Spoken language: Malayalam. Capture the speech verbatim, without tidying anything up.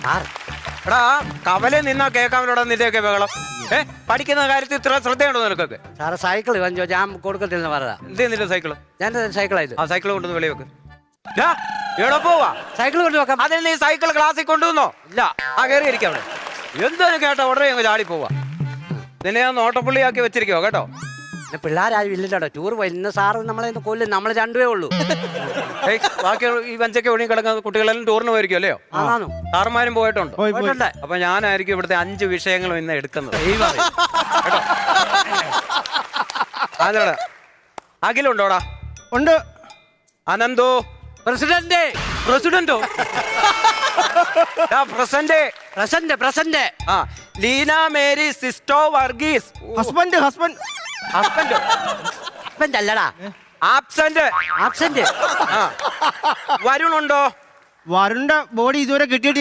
എടാ കവലെ നിന്നാ കേൾക്കാമല്ലോടാ നിന്റെയൊക്കെ ബഹളം. ഏ പഠിക്കുന്ന കാര്യത്തിൽ ഇത്ര ശ്രദ്ധയുണ്ടോ നിനക്കൊക്കെ? സാറ് സൈക്കിൾ വാങ്ങിച്ചോ, ഞാൻ കൊടുക്കത്തില്ലെന്ന് പറഞ്ഞതാ. എന്ത് നിന്റെ സൈക്കിള്? ഞാൻ സൈക്കിളായത്. ആ സൈക്കിൾ കൊണ്ടുവന്ന് വെളി വെക്ക്. എവിടെ പോവാ? സൈക്കിൾ കൊണ്ടുവെക്കാം. അതിന് നീ സൈക്കിൾ ക്ലാസ്സിൽ കൊണ്ടുവന്നോ? ഇല്ല. ആ കയറി ഇരിക്കാം അവിടെ. എന്തൊരു കേട്ടോ ഉടനെ അങ്ങ് ചാടി പോവാ. നിന്നെ ഞാൻ നോട്ടപ്പുള്ളിയാക്കി വെച്ചിരിക്കോ കേട്ടോ. പിള്ളേരാരും ഇല്ലല്ലോ, ടൂർ പോയി. ഇന്ന് സാറ് നമ്മളെ കൊല്ലും, നമ്മൾ രണ്ടുപേ ഉള്ളൂ. ബാക്കി ഈ വഞ്ചൊക്കെ ഒഴുകി കിടക്കുന്ന കുട്ടികളെല്ലാം ടൂറിന് പോയിരിക്കും അല്ലയോ? ആണോ? സാറുമാരും പോയിട്ടുണ്ട്. പോയിട്ടുണ്ട്. അപ്പൊ ഞാനായിരിക്കും ഇവിടുത്തെ അഞ്ച് വിഷയങ്ങളും ഇന്ന് എടുക്കുന്നത്. അതെടാ അഖിലുണ്ടോടാ? ഉണ്ട്. അനന്തോ? പ്രസിഡന്റ്. പ്രസിഡന്റോ? പ്രസന്റ് പ്രസന്റ് പ്രസന്റ് ആ ലീന മേരി സിസ്റ്റോ വർഗീസ്. ഹസ്ബൻഡ് ഹസ്ബൻഡ് ഹസ്ബൻഡോ? ഹസ്ബൻഡ് അല്ലടാ, ആബ്സെന്റ്. ആബ്സെന്റ്. വരുണുണ്ടോ? വരുണ്ട ബോഡി ഇതുവരെ കിട്ടിയിട്ട്